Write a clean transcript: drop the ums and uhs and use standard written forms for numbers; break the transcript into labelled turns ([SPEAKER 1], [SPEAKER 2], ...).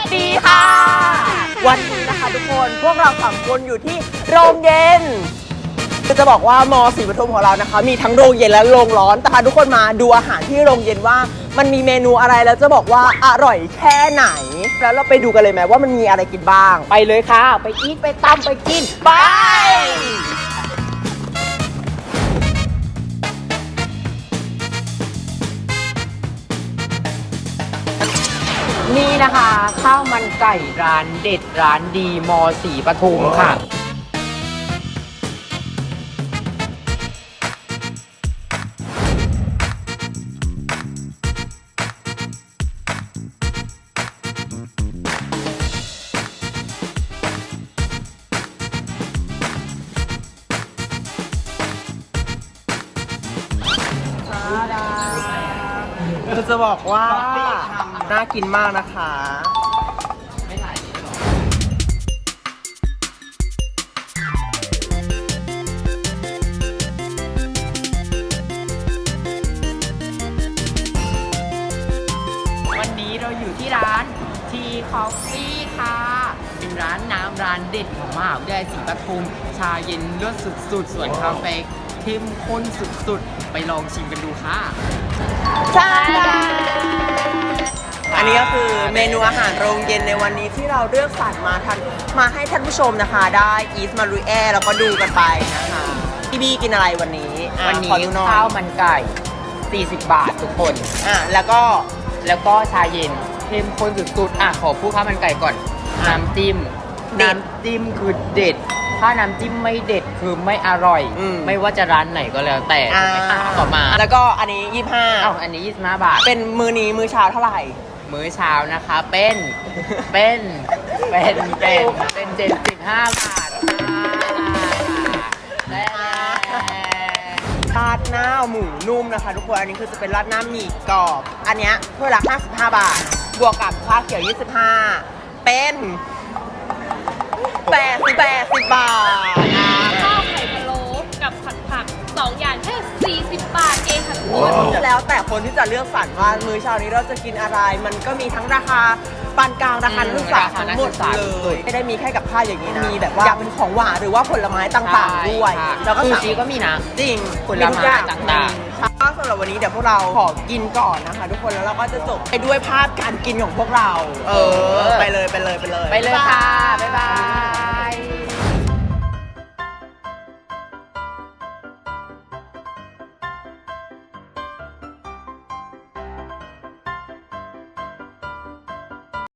[SPEAKER 1] ดีค่ะวันนี้นะคะทุกคนพวกเรา3คนอยู่ที่โรงเย็นจะบอกว่ามศรีปทุมของเรานะคะมีทั้งโรงเย็นและโรงร้อนแต่พาทุกคนมาดูอาหารที่โรงเย็นว่ามันมีเมนูอะไรแล้วจะบอกว่าอร่อยแค่ไหนแล้วเราไปดูกันเลยไหมว่ามันมีอะไรกินบ้างไปเลยค่ะไปอีทไปตำไปกินไปนี่นะคะข้าวมันไก่ร้านเด็ดร้านดีมศรีปทุมค่ะจะบอกว่าน่ากินมากนะคะวันนี้เราอยู่ที่ร้านทีคอฟฟี่ค่ะเป็นร้านน้ำร้านเด็ดของมหาวิทยาลัยศรีปทุมชาเย็นเลือดสุดๆส่วนคาเฟ่เข้มข้นสุดๆไปลองชิมกันดูค่ะอันนี้ก็คือเมนูอาหารโรงเย็นในวันนี้ที่เราเลือกสรรมาให้ท่านผู้ชมนะคะได้อีทมาลุยแอร์แล้วก็ดูกันไปนะคะพี่บีกินอะไรวันนี้ข้าวมันไก่40 บาททุกคนแล้วก็ชาเย็นเข้มข้นสุดๆขอพูดข้าวมันไก่ก่อนน้ำจิ้มคือเด็ดถ้าน้ำจิ้มไม่เด็ดคือไม่อร่อยไม่ว่าจะร้านไหนก็แล้วแต่ต่อมาแล้วก็อันนี้25อันนี้25 บาทเป็นมื้อเช้าเท่าไหร่มื้อเช้านะคะเป็น75 บาทราดหน้าหมูนุ่มนะคะทุกคนอันนี้คือจะเป็นราดหน้าหมี่กรอบอันเนี้ยถ้วยละ55 บาทบวกกับชาเขียว25เป็น80 บาท
[SPEAKER 2] ข้าวไข่พะโล้กับผัก2 อย่างแค่40 บาทเองค่ะทุกคน
[SPEAKER 1] แล้วแต่คนที่จะเลือกสรรว่ามื้อเช้านี้เราจะกินอะไรมันก็มีทั้งราคาปานกลางราคานักศึกษาทั้งหมดเลยไม่ได้มีแค่กับข้าวอย่างนี้นะมีแบบว่าอยากเป็นของหวานหรือว่าผลไม้ต่างๆด้วยแล้วก็ซูชิก็มีนะจริงผลไม้ต่างๆก็สำหรับวันนี้เดี๋ยวพวกเราขอกินก่อนนะคะทุกคนแล้วเราก็จะจบไปด้วยภาพการกินของพวกเราไปเลยค่ะบ๊ายบาย